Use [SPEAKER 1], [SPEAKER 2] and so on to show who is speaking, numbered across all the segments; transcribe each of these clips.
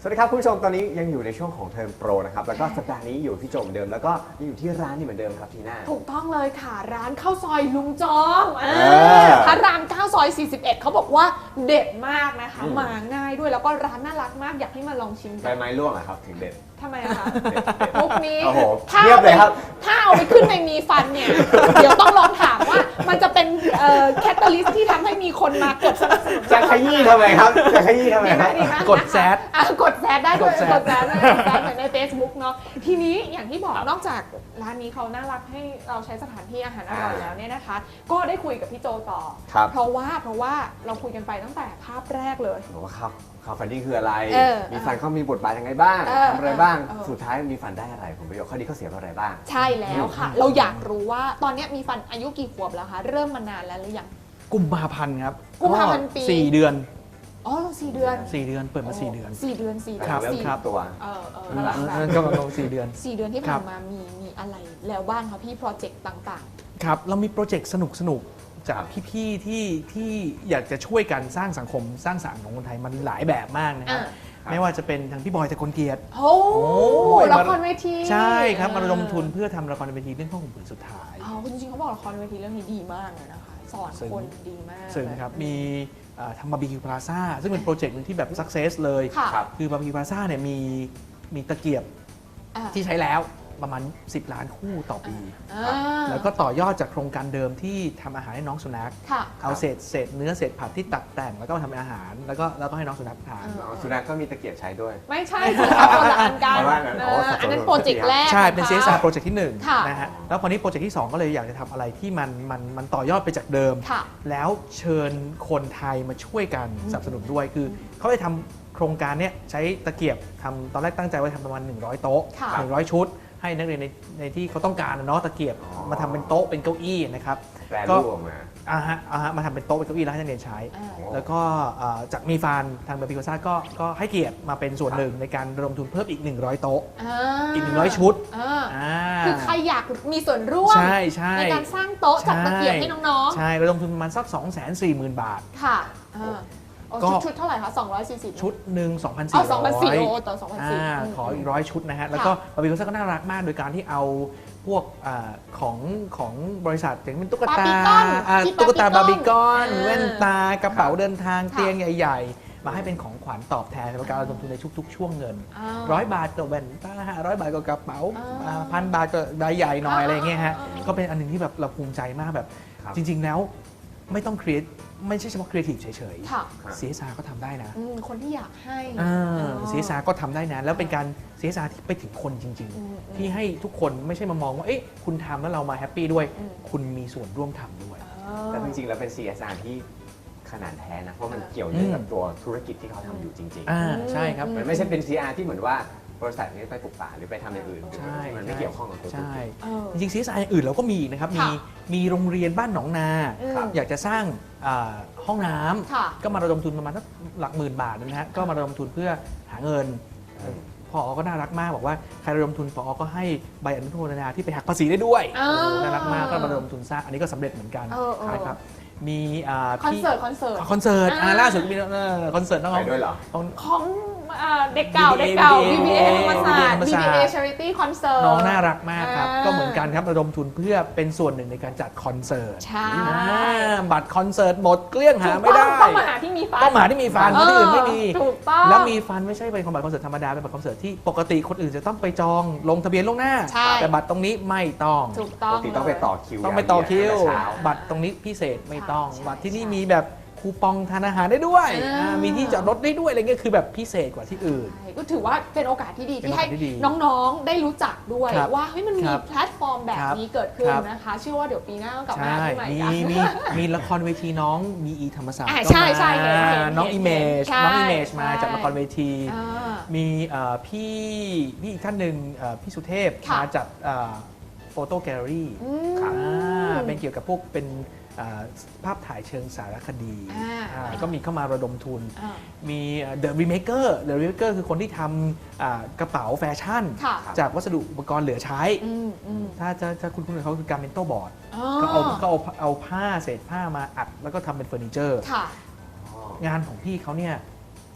[SPEAKER 1] สวัสดีครับคุณผู้ชมตอนนี้ยังอยู่ในช่วงของเทอมโปรนะครับแล้วก็สัปดาห์นี้อยู่ที่โจเหมือนเดิมแล้วก็ยังอยู่ที่ร้านนี่เหมือนเดิมครับทีน่า
[SPEAKER 2] ถูกต้องเลยค่ะร้านข้าวซอยลุงจองพระราม9ซอย41เขาบอกว่าเด็ดมากนะคะมาง่ายด้วยแล้วก็ร้านน่ารักมากอยากให้มาลองชิมกั
[SPEAKER 1] ใบ
[SPEAKER 2] น
[SPEAKER 1] ไม้ร่วงอะครับถึงเด็ด
[SPEAKER 2] ทำไมอะคะ
[SPEAKER 1] เด็ด
[SPEAKER 2] มุกนี้
[SPEAKER 1] โอ้โห
[SPEAKER 2] ถ้า
[SPEAKER 1] เทียบเลยครับ
[SPEAKER 2] ถ้าเอาไปขึ้นในมีฟันเนี่ย เดี๋ยวต้องลองถามว่ามันจะเป็นแคตตาลิสต์ที่ทำให้มีคนมากดสนับสนุน
[SPEAKER 1] จะขยี้ทำไมครับจะขยี้ทำไมครับ
[SPEAKER 2] ดีไหม
[SPEAKER 3] กดแซด
[SPEAKER 2] กดแซดได้ด้วย
[SPEAKER 3] กดแซด
[SPEAKER 2] กดแซดได้เหมือนใน Facebook เนาะทีนี้อย่างที่บอกนอกจากร้านนี้เขาน่ารักให้เราใช้สถานที่อาหารอร่อยแล้วเนี่ยนะคะ ก็ได้คุยกับพี่โจต่อ
[SPEAKER 1] ครับ
[SPEAKER 2] เพราะว่าเราคุยกันไปตั้งแต่ภาพแรกเลย
[SPEAKER 1] บอกว่าครับข่าวฟันดิ้งคืออะไร มีฟันเขามีบทบาทยังไงบ้าง ทำอะไรบ้าง สุดท้ายมีฟันได้อะไรผลประโยชน์ข้อดีข้อเสียอะไรบ้าง
[SPEAKER 2] ใช่แล้วค่ะ เราอยากรู้ว่าตอนนี้มีฟันอายุกี่ขวบแล้วคะเริ่มมานานแล้วหรือยัง
[SPEAKER 3] กุมภาพันธ์ครับ
[SPEAKER 2] กุมภาพันธ์ปี
[SPEAKER 3] 4 เดือน
[SPEAKER 2] อ๋อ4 เดือน
[SPEAKER 3] 4 เดือนเปิดมา 4 เดือน
[SPEAKER 2] 4 เดือน4 เดือน
[SPEAKER 3] ครับ
[SPEAKER 1] เริ่ม
[SPEAKER 2] สี่
[SPEAKER 1] ครับตัว
[SPEAKER 2] น่ารักแบบ
[SPEAKER 3] นั่นก็ลง4 เดือน
[SPEAKER 2] 4 เดือนที่ผ่านมามีอะไรแล้วบ้างคะพี่โปรเจกต์ต่าง
[SPEAKER 3] ครับเรามีโปรเจกต์สนุกจากพี่ๆที่อยากจะช่วยกันสร้างสังคมสร้างสรรค์ของคนไทยมันหลายแบบมากนะครับไม่ว่าจะเป็นทางพี่บอยตะกลเกียรติ
[SPEAKER 2] ๆโอ้ละครเวที
[SPEAKER 3] ใช่ครับมาระดมทุนเพื่อทำละครเวทีเรื่องข้าวห่มผืนสุดท้าย
[SPEAKER 2] อ๋อจริงๆเขาบอกละครเวทีเรื่องนี้ดีมากเลยนะคะสอนคนดีมาก
[SPEAKER 3] ซึ่งครับมีทำบาร์บีคิวพลาซ่าซึ่งเป็นโปรเจกต์หนึงที่แบบสักเซสเลย
[SPEAKER 2] ค่ะ
[SPEAKER 3] คือบาร์บีคิวพลาซ่าเนี่ยมีตะเกียบ
[SPEAKER 2] อ่า
[SPEAKER 3] ที่ใช้แล้วประมาณ 10 ล้านคู่ต่อปี
[SPEAKER 2] อ่า
[SPEAKER 3] แล้วก็ต่อยอดจากโครงการเดิมที่ทำอาหารให้น้องสุนัข
[SPEAKER 2] ค่ะ
[SPEAKER 3] เอาเศษเนื้อเศษผักที่ตัดแต่งแล้วก็มาทำเป็นอาหารแล้วก็ให้น้องสุนัขทาน
[SPEAKER 1] สุนัขก็มีตะเกียบใช้ด้วย
[SPEAKER 2] ไม่ใช่สิคะคนละอันกัน
[SPEAKER 1] เอาว่างั้น
[SPEAKER 2] อันนั้นโปรเจกต์แรก
[SPEAKER 3] ใช่ เป็น
[SPEAKER 2] ของ
[SPEAKER 3] CSR
[SPEAKER 2] ขา
[SPEAKER 3] โปรเจกต์ที่
[SPEAKER 2] ค่ะ
[SPEAKER 3] 1นะฮะแล้วพอนี้โปรเจกต์ที่ 2 ก็เลยอยากจะทำอะไรที่มันต่อยอดไปจากเดิม
[SPEAKER 2] ค่ะ
[SPEAKER 3] แล้วเชิญคนไทยมาช่วยกันสนับสนุนด้วยคือเขาเลยทำโครงการเนี้ยใช้ตะเกียบทำตอนแรกตั้งใจว่าทำประมาณ100 โต๊ะ
[SPEAKER 2] ค่ะ
[SPEAKER 3] 100 ชุด ให้นักเรียนในที่เขาต้องการนะเนาะตะเกียบ
[SPEAKER 1] อ๋อ
[SPEAKER 3] มาทำเป็นโต๊ะเป็นเก้าอี้นะครับ
[SPEAKER 1] แปรรูปออกมา
[SPEAKER 3] มาทำเป็นโต๊ะเป็นเก้าอี้แล้วให้นักเรียนใช้
[SPEAKER 2] อ่า
[SPEAKER 3] แล้วก็จากมีฟานทางเบอร์พิโกซ่าก็ให้เกียรติมาเป็นส่วนหนึ่งในการระดมทุนเพิ่มอีก100 โต๊ะ อีก100 ชุด
[SPEAKER 2] คือใครอยากมีส่วนร่วม
[SPEAKER 3] ใช่
[SPEAKER 2] ในการสร้างโต๊ะจัดตะเกียบให้น้อง
[SPEAKER 3] ใช่ระดมทุนประมาณสัก 240,000 บาท
[SPEAKER 2] ๆ ค่ะชุดเท่าไหร่คะ240
[SPEAKER 3] ชุดหนึ่ง
[SPEAKER 2] อ๋อ
[SPEAKER 3] 2,400
[SPEAKER 2] 2,400ต่อ2,400
[SPEAKER 3] ขออีก100 ชุดนะฮะ แล้วก็บาร์บีคิวก็น่ารักมากโดยการที่เอาพวกของบริษัทอย่างเป็นตุ๊กตา
[SPEAKER 2] ที่
[SPEAKER 3] ตุ๊กตาบาร์บีคอน
[SPEAKER 2] อ่า
[SPEAKER 3] แว่นตากระเป๋าเดินทาง
[SPEAKER 2] ค่ะ
[SPEAKER 3] เตียงใหญ่ๆ มาให้เป็นของขวัญตอบแทนในการระดมทุนในทุกๆ ช่วงเงิน
[SPEAKER 2] อ่า
[SPEAKER 3] 100 บาทก็แว่นตา500 บาทก็กระเป๋า
[SPEAKER 2] อ่า
[SPEAKER 3] 1,000 บาทก็ใบใหญ่หน่อยอะไรอย่างเงี้ยฮะ
[SPEAKER 2] อ่า
[SPEAKER 3] ก็เป็นอันหนึงที่แบบเราภูมิใจมากแบบ
[SPEAKER 1] ครับ
[SPEAKER 3] จริง ๆ แล้วไม่ต้องครีเอทไม่ใช่เฉพาะครีเอทีฟเฉย
[SPEAKER 2] ค่ะ
[SPEAKER 3] ๆ CSR ก็ทำได้นะ
[SPEAKER 2] คนที่อยากให้
[SPEAKER 3] CSR ก็ทำได้นะ แล้วเป็นการ CSR ที่ไปถึงคนจริง ๆ ที่ให้ทุกคนไม่ใช่มามองว่า เอ๊ะคุณทำแล้วเรามาแฮปปี้ด้วย คุณมีส่วนร่วมทำด้วย
[SPEAKER 1] แต่จริงๆแล้วเป็น CSR ที่ขนาดแท้นะ เพราะมันเกี่ยวเนื่องกับตัวธุรกิจที่เขาทำอยู่จริง
[SPEAKER 3] ใช่ครับ
[SPEAKER 1] ๆ มันไม่ใช่เป็น CSR ที่เหมือนว่าบริษัทนี้ไปปลูกป่าหรือไปทำอย่างอื่น
[SPEAKER 3] ใช่
[SPEAKER 1] มันไม่เกี่ยวข้องกับตัวธุร
[SPEAKER 3] ใช่
[SPEAKER 1] กิจ
[SPEAKER 3] จริงๆ CSR อย่างอื่นเราก็มีอีกนะครับ
[SPEAKER 2] ค่ะ
[SPEAKER 3] มีโรงเรียนบ้านหนองนา
[SPEAKER 2] ครับ
[SPEAKER 3] อยากจะสร้างห้องน้
[SPEAKER 2] ค่ะ
[SPEAKER 3] ำก็มาระดมทุนประมาณสักหลักหมื่นบาทนะฮะ ก็มาระดมทุนเพื่อหาเงิน พอก็น่ารักมากบอกว่าใครระดมทุนพอก็ให้ใบอนุโมทนาที่ไปหักภาษีได้ด้วย
[SPEAKER 2] อ่า
[SPEAKER 3] โอ้โหน่ารักมากก็มาระดมทุนสร้างอันนี้ก็สำเร็จเหมือนกัน นะครับมี
[SPEAKER 2] คอนเสิร์ต
[SPEAKER 3] คอนเสิร์ตล่าสุดมีคอนเสิร์ตน้อง
[SPEAKER 1] ไปด้วยเหรอ
[SPEAKER 2] ของเด็กเก่า BBA ธรรมศาสตร์ BBA Charity Concert
[SPEAKER 3] น้องน่ารักมากครับ
[SPEAKER 2] อ่า
[SPEAKER 3] ก็เหมือนกันครับระดมทุนเพื่อเป็นส่วนหนึ่งในการจัดคอนเสิร์ต
[SPEAKER 2] ใช่
[SPEAKER 3] บัตรคอนเสิร์ตหมดเกลี้ยงหาไม่ได้
[SPEAKER 2] ต้องมาหาที่มีฟัน
[SPEAKER 3] ต้องหาที่มีฟันที่อื่นไม่มี
[SPEAKER 2] ถูกต้อง
[SPEAKER 3] แล้วมีฟันไม่ใช่เป็นบัตรคอนเสิร์ตธรรมดาเป็นบัตรคอนเสิร์ตที่ปกติคนอื่นจะต้องไปจองลงทะเบียนล่วงหน้า
[SPEAKER 2] ใช่
[SPEAKER 3] แต่บัตรตรงนี้ไม่ต้อง
[SPEAKER 2] ถูกต้อง
[SPEAKER 1] ปกติต้องไปต่อคิว
[SPEAKER 3] ต้องไปต่อคิว
[SPEAKER 1] เช้า
[SPEAKER 3] บัตรตรงนี้พิเศษไม่ต้อง
[SPEAKER 2] ใช่
[SPEAKER 3] บัตรที่นี่
[SPEAKER 2] ใช่
[SPEAKER 3] มีแบบคูปองทานอาหารได้ด้วย
[SPEAKER 2] อ่า
[SPEAKER 3] มีที่จอดรถได้ด้วยอะไรเงี้ยคือแบบพิเศษกว่าที่อื่น
[SPEAKER 2] ใช่ก็ถือว่าเป็นโอกาสที่ดี
[SPEAKER 3] เป็น
[SPEAKER 2] ที่
[SPEAKER 3] โอกา
[SPEAKER 2] ให้
[SPEAKER 3] สที่ดี
[SPEAKER 2] น้องๆ ได้รู้จักด้วย
[SPEAKER 3] ครับ
[SPEAKER 2] ว่าเฮ้ยมันมี
[SPEAKER 3] ครับ
[SPEAKER 2] แพลตฟอร์มแบบนี้เกิดขึ้น
[SPEAKER 3] ครับ
[SPEAKER 2] นะคะ เชื่อว่าเดี๋ยวปีหน้าก็กลับมา
[SPEAKER 3] ใช่
[SPEAKER 2] ที่ใหม่
[SPEAKER 3] มี
[SPEAKER 2] กัน
[SPEAKER 3] มีละครเวทีน้องมีอีธรรมศาสตร์
[SPEAKER 2] อ่า
[SPEAKER 3] ก็
[SPEAKER 2] ใช่
[SPEAKER 3] มา
[SPEAKER 2] ใช่เห็น
[SPEAKER 3] น้อง
[SPEAKER 2] เห็น
[SPEAKER 3] อิเมจ
[SPEAKER 2] ใช่
[SPEAKER 3] น้องอิเมจมา
[SPEAKER 2] ใช่
[SPEAKER 3] จากละครเวที
[SPEAKER 2] อ่า
[SPEAKER 3] มีพี่อีกท่านหนึ่งพี่สุเทพ
[SPEAKER 2] ค่ะ
[SPEAKER 3] มาจากโฟโต้แกลเลอรี่
[SPEAKER 2] อืม
[SPEAKER 3] เป็นเกี่ยวกับพวกเป็นภาพถ่ายเชิงสารคดี
[SPEAKER 2] อ่า
[SPEAKER 3] ก็มีเข้ามาระดมทุน
[SPEAKER 2] อ่า
[SPEAKER 3] มี The Remaker The Remaker คือคนที่ทำกระเป๋าแฟชั่น
[SPEAKER 2] ค่ะ
[SPEAKER 3] จากวัสดุอุปกรณ์เหลือใช้
[SPEAKER 2] อืม
[SPEAKER 3] ถ้าคุณเขาคือการเมนโตบอร์ด
[SPEAKER 2] อ๋อ
[SPEAKER 3] ก็เอาผ้าเศษผ้ามาอัดแล้วก็ทำเป็นเฟอร์นิเจอร์
[SPEAKER 2] ค่ะ
[SPEAKER 3] งานของพี่เขาเนี่ย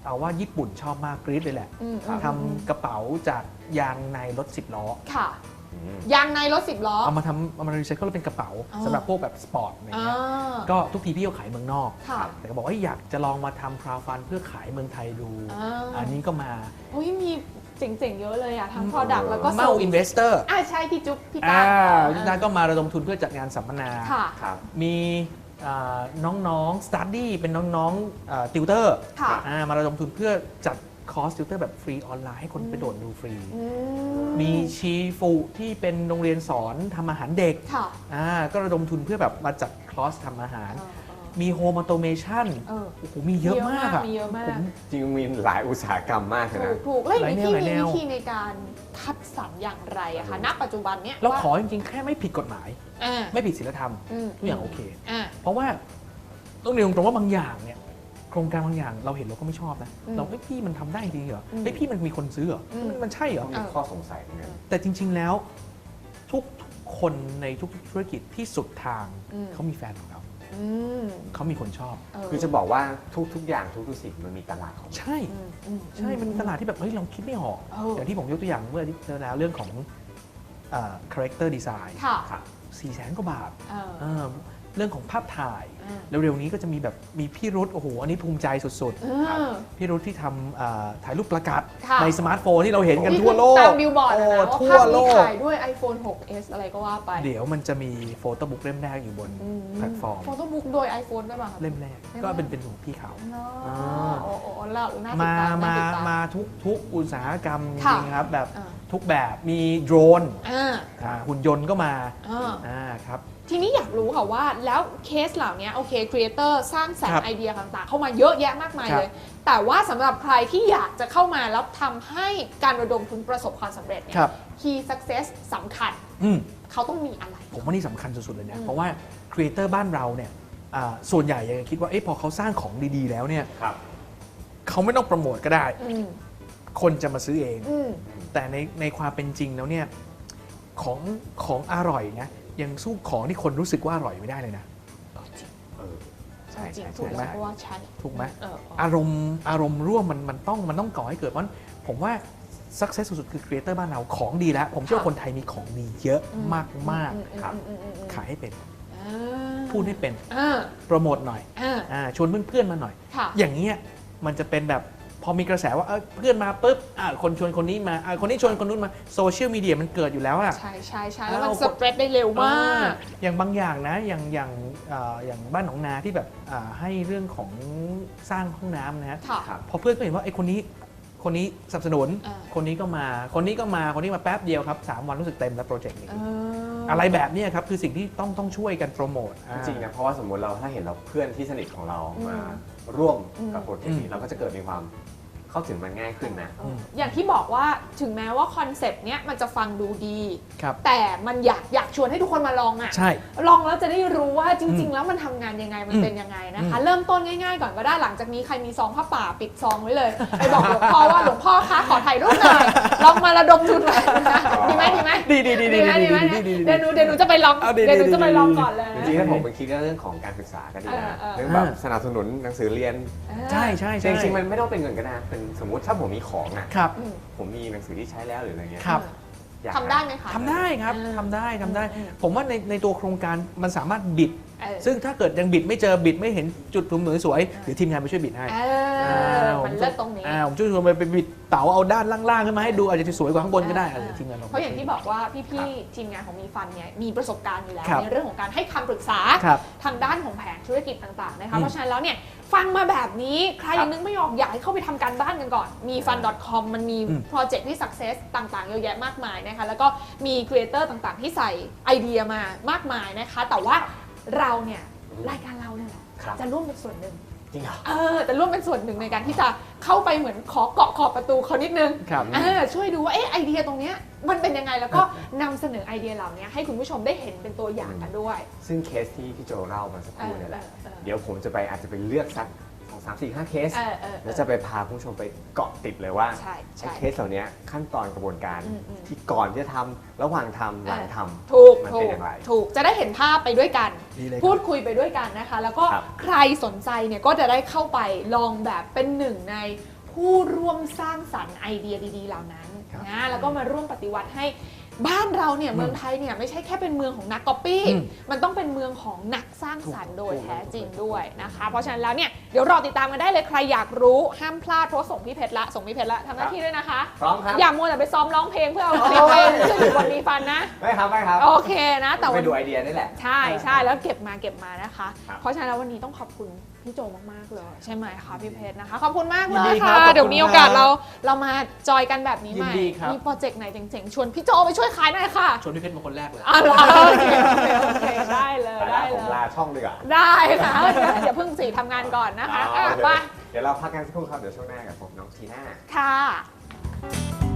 [SPEAKER 3] เอาว่าญี่ปุ่นชอบมากกรี๊ดเลยแหละ ทำกระเป๋าจากยางในรถ10 ล้อ
[SPEAKER 2] ค่ะยางในรถ10 ล้อ
[SPEAKER 3] เอามารีไซเคิลเป็นกระเป๋าสำหรับพวกแบบสปอร์ตอะไรเงี้ยก็ทุกทีพี่ก็ขายเมืองนอกแต่ก็บอกว่าอยากจะลองมาทำคราวฟันเพื่อขายเมืองไทยดูอันนี้ก็มา
[SPEAKER 2] โอ้ยมีเจ๋งๆเยอะเลยอะทั้ง product แล้วก็
[SPEAKER 3] เมาอินเวสเตอร์
[SPEAKER 2] ใช่พี่จุ๊บพี่
[SPEAKER 3] ตาพี่ตาก็มาระดมทุนเพื่อจัดงานสัมมนามีน้องๆ study เป็นน้องๆติวเตอร์มาระดมทุนเพื่อจัดคอร์สติวเตอร์แบบฟรีออนไลน์ให้คนไปโดดดูฟรีมีชีฟูที่เป็นโรงเรียนสอนทำอาหารเด็กก็ระดมทุนเพื่อแบบมาจัดคอร์สทำอาหารมีโฮมออโตเมชันโอ้โหมีเยอะมากอะ
[SPEAKER 1] จริงมีหลายอุตสาหกรรมมากนะ
[SPEAKER 2] ถูกแล้วอย่างที่มีวิธีในการคัดสรรอย่างไรอะคะณปัจจุบันเนี้ย
[SPEAKER 3] เราขอจริงๆแค่ไม่ผิดกฎหมายไม่ผิดศีลธรรมทุกอย่างโอเคเพราะว่าต้องเรียนตรงว่าบางอย่างเนี่ยโครงการบางอย่างเราเห็นเราก็ไม่ชอบนะเราพี่มันทำได้จริงเหรอพี่มันมีคนซื้อเหรอมันใช่เหรอ
[SPEAKER 1] มีข้อสงสัยเนี่ย
[SPEAKER 3] แต่จริงๆแล้วทุกคนในทุกธุรกิจที่สุดทางเขามีแฟนของเขาเขามีคนชอบ
[SPEAKER 1] คือจะบอกว่าทุกอย่างทุกสิ่งมันมีตลาดของ
[SPEAKER 3] ใช่มันมีตลาดที่แบบเฮ้ยเราคิดไม่ออกอย่างที่ผมยกตัวอย่างเมื่อที่แล้วเรื่องของcharacter design 400,000 กว่าบาทเรื่องของภาพถ่ายเร็วๆนี้ก็จะมีแบบมีพี่รุธโอ้โหอันนี้ภูมิใจสุดๆพี่รุธที่ทำถ่ายรูปประกาศในสมาร์ทโฟนที่เราเห็นกันทั่วโลก
[SPEAKER 2] ตามบิลบอร์ดนะว่าภาพนี้ถ่ายด้วย iPhone 6s อะไรก็ว่าไป
[SPEAKER 3] เดี๋ยวมันจะมีโฟโต้บุ๊กเล่มแรกอยู่บนแพลตฟอร์ม
[SPEAKER 2] โฟโต้บุ๊กโดย iPhone ด้วยป่ะ
[SPEAKER 3] เล่มแรกก็เป็นของพี่เขามาทุกอุตสาหกรรมจริงครับแบบทุกแบบมีโดรนหุ่นยนต์ก็มาครับ
[SPEAKER 2] ทีนี้อยากรู้ค่ะว่าแล้วเคสเหล่านี้โอเคครีเอเตอร์สร้างสรรค์ไอเดียต่างๆเข้ามาเยอะแยะมากมายเลยแต่ว่าสำหรับใครที่อยากจะเข้ามาแล้วทำให้การระดมทุนประสบความสำเร็จเนี่ย Key Success สำคัญเขาต้องมีอะไร
[SPEAKER 3] ผมว่านี่สำคัญสุดๆเลยนะเพราะว่าครีเอเตอร์บ้านเราเนี่ยส่วนใหญ่ยังคิดว่าพอเขาสร้างของดีๆแล้วเนี่ยเขาไม่ต้องโปรโมทก็ได้คนจะมาซื้อเองแต่ในความเป็นจริงแล้วเนี่ยของอร่อยนะยังสู้ของที่คนรู้สึกว่าอร่อยไม่ได้เลยนะ
[SPEAKER 2] ใช่ถูกไหม
[SPEAKER 3] ถูกไหมอารมณ์ร่วมมันต้องก่อให้เกิดเพราะผมว่า success สุดๆคือครีเอเตอร์บ้านเราของดีแล้วผมเชื่อว่าคนไทยมีของดีเยอะมากๆครับขายให้เป็นพูดให้เป็นโปรโมทหน่อยชวนเพื่อนๆมาหน่อยอย่างเงี้ยมันจะเป็นแบบพอมีกระแสว่าเพื่อนมาปุ๊บคนชวนคนนี้มาคนนี้ชวนคนนู้นมาโซเชียลมีเดียมันเกิดอยู่แล้วอะ
[SPEAKER 2] ใช่แล้วมันสเปรดได้เร็วมาก
[SPEAKER 3] อย่างบางอย่างนะอย่างบ้านหนองนาที่แบบให้เรื่องของสร้างห้องน้ำนะฮะพอเพื่อนก็เห็นว่าไอ้คนนี้สนับสนุนคนนี้ก็มาแป๊บเดียวครับ3 วันรู้สึกเต็มแล้วโปรเจกต์นี้อะไรแบบนี้ครับคือสิ่งที่ต้องช่วยกันโปรโมท
[SPEAKER 1] จริงนะเพราะว่าสมมติเราถ้าเห็นเราเพื่อนที่สนิทของเรามาร่วมกับโปรเจกต์นี้เราก็จะเกิดมีความเข้าถึงมันง่ายขึ้นนะ
[SPEAKER 2] อย่างที่บอกว่าถึงแม้ว่าคอนเซปต์เนี้ยมันจะฟังดูดีแต่มันอยากชวนให้ทุกคนมาลองอ่ะลองแล้วจะได้รู้ว่าจริงๆแล้วมันทำงานยังไงมันเป็นยังไงนะคะเริ่มต้นง่ายๆก่อนก็ได้หลังจากนี้ใครมีซองผ้าป่าปิดซองไว้เลยไปบอกหลวงพ่อว่าหลวงพ่อคะขอถ่ายรูปหน่อยลองมาระดมทุนหน่อยนะดีไหม
[SPEAKER 3] ดี
[SPEAKER 2] เดี๋ยวหนูจะไปลองก่อนเลย
[SPEAKER 1] จริงๆถ้าผมไปคิดเรื่องของการศึกษาก็ดีนะเรื่องแบบสนับสนุนหนังสือเรียน
[SPEAKER 3] ใช่
[SPEAKER 1] จริงๆมันไม่ต้องเป็นเงินก็ได้เป็นสมมติถ้าผมมีของอ่ะผมมีหนังสือที่ใช้แล้วหรืออะไรเงี้ย
[SPEAKER 2] ทำได้ไหมคะ
[SPEAKER 3] ทำได้ครับทำได้ผมว่าในตัวโครงการมันสามารถบิดซึ่งถ้าเกิดยังบิดไม่เจอบิดไม่เห็นจุดมุมสวยเดี๋ยวทีมงานไปช่วยบิดให้
[SPEAKER 2] มันเลิศตรงนี้
[SPEAKER 3] ผมช่วยไปบิดเต๋าเอาด้านล่างๆขึ้นมาให้ดูอาจจะสวยกว่าข้างบนก็ได้ทีมงาน
[SPEAKER 2] เพราะอย่างที่บอกว่าพี่ๆทีมงานของมีฟันเนี่ยมีประสบการณ์อยู่แล้วในเรื่องของการให้คำปรึกษาทางด้านของแผนธุรกิจต่างๆนะคะเพราะฉะนั้นแล้วเนี่ยฟังมาแบบนี้ใครยังนึกไม่ออกอยากให้เข้าไปทำการบ้านกันก่อนมี fun.com มันมีโปรเจกต์ที่ success ต่างๆเยอะแยะมากมายนะคะแล้วก็มีครีเอเตอร์ต่างๆที่ใส่ไอเดียมามากมายนะคะแต่ว่าเราเนี่ยรายการเราเนี่ยจะร่วมเป็นส่วนหนึ่ง
[SPEAKER 1] จริงเหรอ
[SPEAKER 2] แต่ร่วมเป็นส่วนหนึ่งในการที่จะเข้าไปเหมือนขอเกาะขอบประตูเขานิดนึงช่วยดูว่าไอเดียตรงนี้มันเป็นยังไงแล้วก็นำเสนอไอเดียเหล่านี้ให้คุณผู้ชมได้เห็นเป็นตัวอย่างกันด้วย
[SPEAKER 1] ซึ่งเคสที่พี่โจเล่ามาสักครู่นี่แหละเดี๋ยวผมอาจจะไปเลือกสัก2-3-4-5 เคสแล้วจะไปพาผู้ชมไปเกาะติดเลยว่าเคสเหล่านี้ขั้นตอนกระบวนการที่ก่อนที่จะทำระหว่างทำหลังทำมันเป็นอย่างไร
[SPEAKER 2] ถูกจะได้เห็นภาพไปด้วยกันพูดคุยไปด้วยกันนะคะแล้วก็ใครสนใจเนี่ยก็จะได้เข้าไปลองแบบเป็นหนึ่งในผู้ร่วมสร้างสรรค์ไอเดียดีๆเหล่านั้นนะแล้วก็มาร่วมปฏิวัติให้บ้านเราเนี่ยเมืองไทยเนี่ยไม่ใช่แค่เป็นเมืองของนักก๊อปปี้มันต้องเป็นเมืองของนักสร้างสรรค์โดยแท้จริงด้วยนะคะเพราะฉะนั้นแล้วเนี่ยเดี๋ยวรอติดตามกันได้เลยใครอยากรู้ห้ามพลาดเพราะส่งพี่เพชรละทำหน้าที่ด้วยนะคะ
[SPEAKER 1] พร้อมครับ
[SPEAKER 2] อย่ามัวแต่ไปซ้อมร้องเพลงเพื่อเอาคลิปไปขึ้นอยู่บนมีฟันนะ
[SPEAKER 1] ไม่ครับ
[SPEAKER 2] โอเคนะแต่
[SPEAKER 1] ไป
[SPEAKER 2] วัน
[SPEAKER 1] ดูไอเดียนี่แหละ
[SPEAKER 2] ใช่แล้วเก็บมานะคะ เพราะฉะนั้นแล้ววันนี้ต้องขอบคุณพี่โจมากๆเลยใช่ไหมคะพี่เพชรนะคะขอบคุณมากเลยค่ะเดี๋ยวมีโอกาสเรามาจอยกันแบบนี้ใหม่มีโปรเจกต์ไหนเจ๋งๆชวนพี่โจไปช่วยขายหน่อยค่ะ
[SPEAKER 3] ชวนพี่เพชรมาคนแรกเลย
[SPEAKER 2] โอเคได้เลย
[SPEAKER 1] ผมลาช่องดีกว่า
[SPEAKER 2] ได้ค่ะเดี๋ยวเพิ่งสิทำงานก่อนนะคะไป
[SPEAKER 1] เดี๋ยวเราพักกันสักครู่ครับเดี๋ยวช่วงหน้ากับผมน้องทีน่า
[SPEAKER 2] ค่ะ